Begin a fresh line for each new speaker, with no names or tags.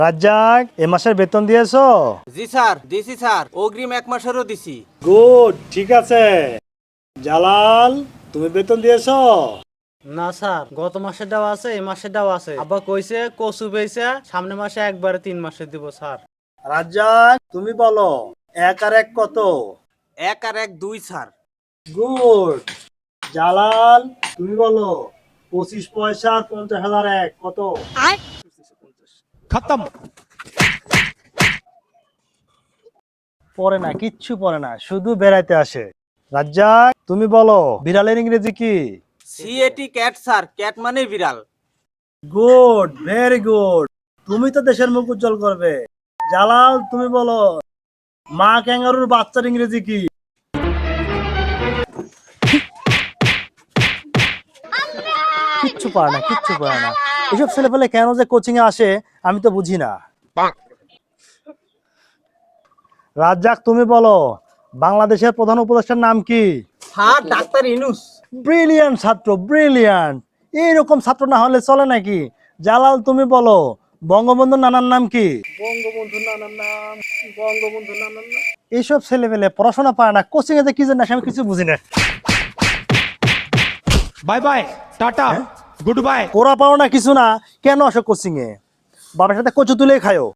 রাজ্জাক এ মাসের বেতন দিয়েছো?
জি স্যার, দিছি স্যার, অগ্রিম 1 মাসেরও দিছি।
গুড, ঠিক আছে। জালাল, তুমি বেতন দিয়েছো?
না স্যার, গত মাসের দেওয়া আছে, এই মাসের দেওয়া আছে। আব্বা কইছে কচু পেয়েছে, সামনের মাসে একবারে 3 মাসে দিব স্যার।
রাজ্জাক, তুমি বলো 1 আর 1 কত?
1 আর 1 2 স্যার।
গুড। জালাল, তুমি বলো 25 পয়সা আর 50,000 এক কত?
खत्म।
পড়ে না, কিচ্ছু পড়ে না, শুধু বেড়াইতে আসে। রাজ্জাক, তুমি বলো বিড়ালের ইংরেজি কি?
সিএটি ক্যাট স্যার, ক্যাট মানে বিড়াল।
Good, very good. তুমি তো দেশের মুখ উজ্জ্বল করবে। জালাল, তুমি বলো মা ক্যাঙ্গারুর বাচ্চার ইংরেজি কি? কিচ্ছু পারে না, কিচ্ছু পারে না। এসব ছেলেপেলে কেন যে কোচিং এ আসে আমি তো বুঝি না। রাজ্জাক, তুমি বলো বাংলাদেশের প্রধান উপদেষ্টার নাম কি?
হ্যাঁ, ডাক্তার ইনুস।
ব্রিলিয়ান্ট ছাত্র, ব্রিলিয়ান্ট। এইরকম ছাত্র না হলে চলে নাকি? জালাল, তুমি বলো বঙ্গবন্ধুর নানার নাম কি? বঙ্গবন্ধুর নানার নাম, বঙ্গবন্ধুর নানার নাম। এইসব ছেলেপেলে পড়াশোনা পারে না, কোচিং এ যে কি জানে আমি কিছু বুঝি না।
Bye bye tata good bye.
ওরা পারো না কিছু না, কেন আসো কোচিং এ? বাবার সাথে কচু তুলে খায়ো।